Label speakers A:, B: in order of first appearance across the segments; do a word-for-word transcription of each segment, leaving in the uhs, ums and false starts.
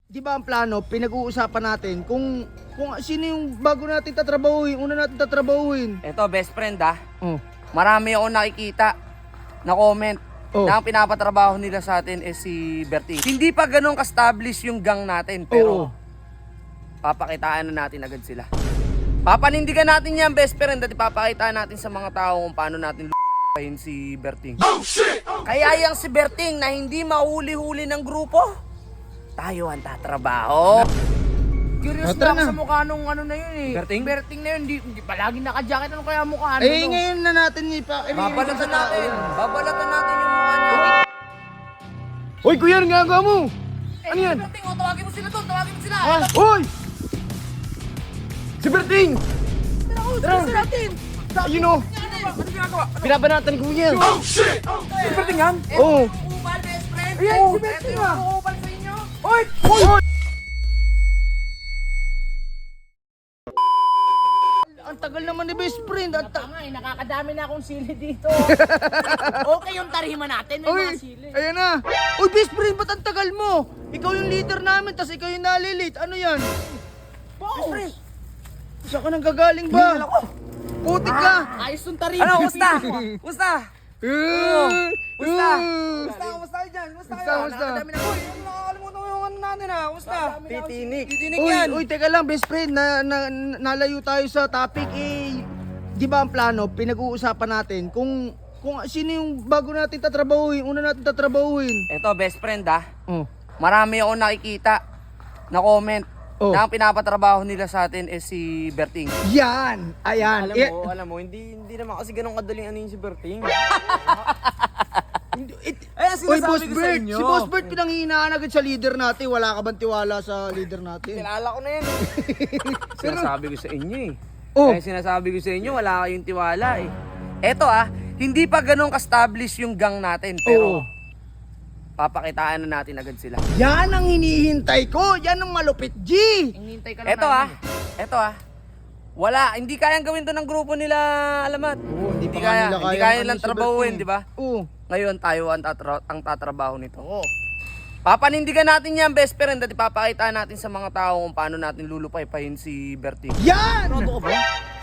A: Di ba ang plano, pinag-uusapan natin kung kung sino yung bago natin tatrabahuin, una natin tatrabahuin.
B: Eto, best friend ah.
A: Oh.
B: Marami akong nakikita na comment
A: Oh.
B: na ang pinapatrabaho nila sa atin is si Berting. Hindi pa ganun ka-establish yung gang natin, pero
A: Oo.
B: papakitaan na natin agad sila. Papanindigan natin yan, best friend, at ipapakitaan natin sa mga tao kung paano natin l***ahin si Berting. Oh, shit! Oh, Kaya yung si Berting na hindi mahuli-huli ng grupo, tayo ang tatrabaho.
C: Curious
A: Tara
C: lang
A: na.
C: sa mukha nung ano na yun eh.
B: Berting?
C: Berting na yun, hindi, hindi palagi naka-jacket. Ano kaya mukha? Ano,
A: Eh
C: no?
A: ngayon na natin ipa.
B: Babalatan natin. Babalatan natin yung mukha niya.
A: Hoy kuya, ang ginagawa mo?
C: Eh,
A: Ano yan?
C: si Berting, oh, tawagin mo sila doon, tawagin mo sila.
A: Ha? Hoy! Si Berting!
C: Tara, oh,
A: Tara.
C: tara natin.
A: Ayun o!
C: Ano ginagawa?
A: Binabanatan ni kuya.
C: Si Berting yan?
A: Oo.
C: Upal, best friend.
A: Ayan,
C: Oh,
A: si Berting,
C: eto yung
A: ah.
C: upal sa inyo.
A: Hoy! Hoy! Ang tagal naman ni best friend. Ang ta-
C: Tanga eh, nakakadami na akong sili dito. Okay yung tarima natin, may
A: Uy!
C: mga sili.
A: Ayan na! Uy, best friend, ba't ang tagal mo? Ikaw yung leader namin, tas ikaw yung nalilate. Ano yan?
C: Best friend.
A: Saan ka nang gagaling ba? Putik ka!
C: Ayos yung tarima.
B: Ano, kumusta? Kumusta?
A: Uh,
B: Kumusta?
A: Kumusta? Kumusta dyan? Kumusta
B: Kumusta, kumusta?
A: Nakakadami na. Uy, nakakalimutan ko yung ano natin ha. Kumusta?
B: Titinik. Titinik
A: Uy,
B: yan.
A: uy, teka lang, best friend. Na, na, nalayo tayo sa topic. Eh, di ba ang plano, pinag-uusapan natin kung kung sino yung bago natin tatrabahuin, una natin tatrabahuin.
B: Eto, best friend ah.
A: Oh.
B: Marami akong nakikita na comment
A: Oh.
B: na ang pinapatrabaho nila sa atin is si Berting.
A: Yan! Ayan!
D: Alam
A: Eh,
D: mo, alam mo, hindi hindi naman kasi ganun kadaling ano yung si Berting.
A: it-
D: Ay,
A: Uy, Boss
D: sinasabi ko sa
A: Bert!
D: inyo.
A: Si Boss Bert pinanghihinaan agad sa leader natin. Wala ka bang tiwala sa leader natin?
D: Kilala ko na yan.
B: Sinasabi ko sa inyo eh.
A: Oh.
B: Kaya sinasabi ko sa inyo, wala kayong tiwala eh. Eto ah, hindi pa ganun ka-establish yung gang natin, pero
A: Oo.
B: papakitaan na natin agad sila.
A: Yan ang hinihintay ko! Yan ang malupit, G!
C: Hinihintay ka lang
B: Eto ah,
C: namin.
B: eto ah. Wala, hindi kayang gawin to ng grupo nila, Alamat.
A: Oo, hindi pa nga
B: kaya,
A: nila
B: hindi
A: kayang
B: kaya
A: ano
B: nilang
A: si
B: trabahuin,
A: Berting.
B: di ba?
A: Oo.
B: Ngayon tayo ang, tatra- ang tatrabaho nito.
C: Oo.
B: Papanindigan natin yan, best friend, at ipapakita natin sa mga tao kung paano natin lulupay-pahin si Berting.
A: Yan!
C: Ano ka ba?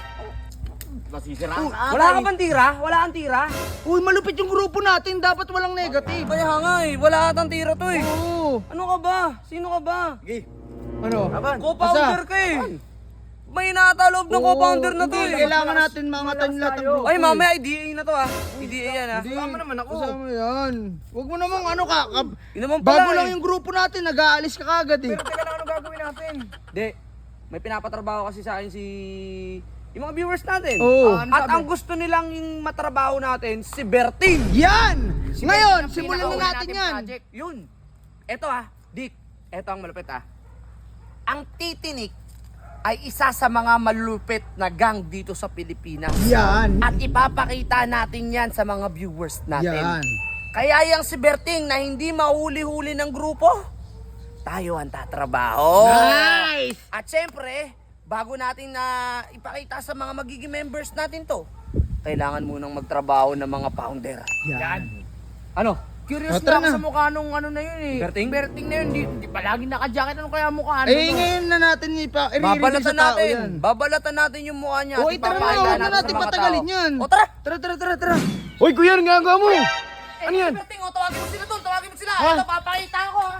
C: Masisiraan ka.
B: Wala ka bang tira? Wala kang tira?
A: Uy, malupit yung grupo natin. Dapat walang negative.
B: Kaya nga eh, wala atang tira to eh.
A: Oo.
B: Ano ka ba? Sino ka ba?
A: Ano?
B: Co-founder ka eh. May nataloob ng
A: Oo,
B: co-founder na to
A: hindi,
B: eh.
A: Kailangan natin mangatan lahat ng grupo.
B: Ay,
A: eh.
B: mamaya I D A na to ah. I D A yan ah.
A: Hindi,
D: Kasama naman ako.
A: Kasama yan. Huwag mo namang ano ka. ka
B: Yun naman pala
A: bago lang
B: eh.
A: yung grupo natin, nag-aalis ka kagad eh.
D: Pero teka lang, ano gagawin natin?
B: Hindi. May pinapatrabaho kasi sa akin si... yung mga viewers natin.
A: Oo.
D: Ah, ano
B: At
D: sabi?
B: ang gusto nilang yung matrabaho natin, si Berting.
A: Yan! Ngayon,
C: Ang
A: simulan na
C: pinakauli
A: natin yan.
C: project.
B: Yun. Eto ah, Dick. Eto ang malupit ah. Ang Titinik ay isa sa mga malupit na gang dito sa Pilipinas.
A: Yan.
B: At ipapakita natin yan sa mga viewers natin.
A: Yan.
B: Kaya yung si Berting na hindi mahuli-huli ng grupo, tayo ang tatrabaho.
A: Nice!
B: At syempre, bago natin na ipakita sa mga magiging members natin to, kailangan munang magtrabaho ng mga founder.
A: Yan.
B: Ano?
C: Curious
A: Oh, tara
C: lang
A: na.
C: sa mukha nung ano na yun eh.
B: Berting?
C: Berting na yun, hindi, hindi palagi naka-jacket. Ano kaya mukha? Ano,
A: Eh,
C: no?
A: ngayon na natin ipa i-reveal
B: Babalatan
A: sa tao
B: natin.
A: yan.
B: Babalatan natin yung mukha niya.
A: O,
B: at
A: tara na,
B: ipapakita
A: huwag na
B: sa
A: natin
B: mga
A: patagalin
B: tao.
A: yan.
B: O tara!
A: Tara, tara, tara, tara. Hoy, kuya, ang ginagawa mo?
C: Eh,
A: Ano yan?
C: si Berting, oh, tawagin mo sila doon, tawagin mo sila.
A: Ha?
C: Ito, papakita ko ha.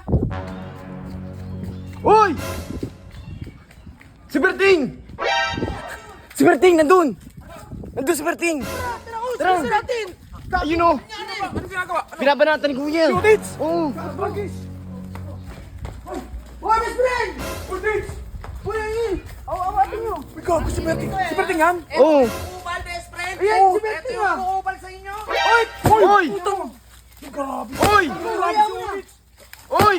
A: Hoy! Si Berting!
B: Si Berting, nandun! Nandun si Berting!
C: Tara, oh,
A: Tara.
C: sila natin.
A: Ayun o!
C: Ano ba? Ano ginagawa?
A: Binabanatan ni kuya.
D: Udits!
A: Oo.
C: Hoy, best friend! Udits! Uy, ay, aw, awatin nyo.
D: Ikaw, si Berting. Si Berting yan?
A: Oo.
C: Upal, best friend.
A: Ayan,
C: Oh,
A: si Berting,
C: ito yung
A: ah.
C: upal sa inyo.
A: Hoy! Hoy!
D: Grabe.
A: Hoy!
C: Ayaw na.
A: Hoy!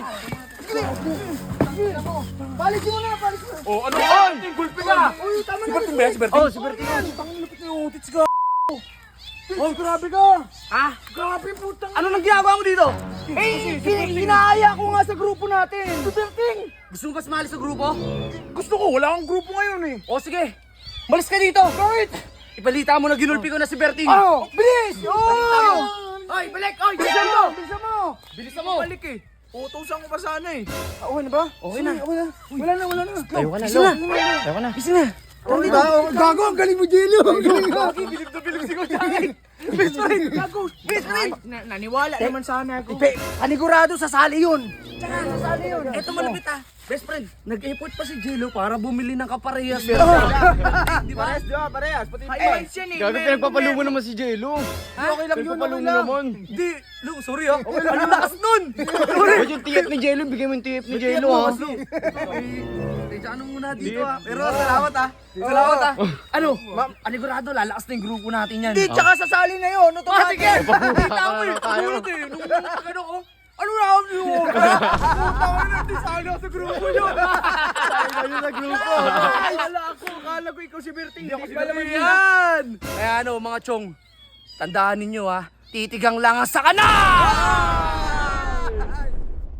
C: Balik mo na, balik mo na.
D: Oh, ano ba? Berting, gulpi ka.
C: Uy, tama
D: Si
C: na.
D: Berting ba yan? Si Berting?
A: Oh, si Berting.
D: Tangin lupit na yung udits ka. Oh, grabe ka.
B: Ha?
D: Grabe, putang.
B: Ano nang ginagawa mo dito?
A: Eh, hinaaya ko nga sa grupo natin.
D: Si Berting.
B: Gusto mo ba sumali sa grupo?
D: Gusto ko, wala akong grupo ngayon eh.
B: O sige, malis ka dito!
D: Bakit?
B: Ibalita mo na ginulpi ko na si Berting!
A: Ano? Bilis!
B: Balita mo!
A: Oh!
B: Oy, balik! Oy,
A: Bilisan mo! Bilisan mo!
B: Bilisan mo!
D: Balik eh. Utusan ko pa sana eh.
A: Ah, okay na ba?
B: Okay na.
A: Okay na. Wala na, wala na.
B: Tayo ka na,
A: Gising
B: Lo.
A: na.
B: Tayo ka na.
A: Gising na.
C: Okay ba? Gago, ang galing mo, Jello. Ang galing mo.
D: Bilib na bilib si Kuya Jackie. Best friend, gago. Best friend. Na, naniwala naman sana ako.
A: Pe, panigurado, sasali yun.
B: Tsaka, sasali yun. Eto malapit ah. Best friend, nag-effort pa si Jello para bumili ng kaparehas.
D: Di ba? Parehas, di ba? Parehas. Pati
B: Highlights yan eh.
A: Gago, pinagpapalumo naman si Jello.
C: Okay lang yun, okay lang.
D: Di, Lu, sorry ah. Ang lakas nun.
A: Ba't yung tiyep ni Jello? Bigay mo yung tiyep ni Jello, ha?
B: Teka, ano muna dito ah. Pero salamat ah. Salamat ah. Ano? Panigurado, lalakas na yung grupo natin yan.
C: Hindi, tsaka sasali na yun. Automatic yan.
D: Kita mo eh. Tulad eh. Nung ano ko. Ano na ako niyo? Tawa na din sana sa grupo nyo.
A: Ayun na grupo.
C: Kala ako, kala ko ikaw si Berting. Hindi pala man yan.
B: Yan! Kaya ano mga chong, tandaan ninyo ha, titigang langas sa kanan!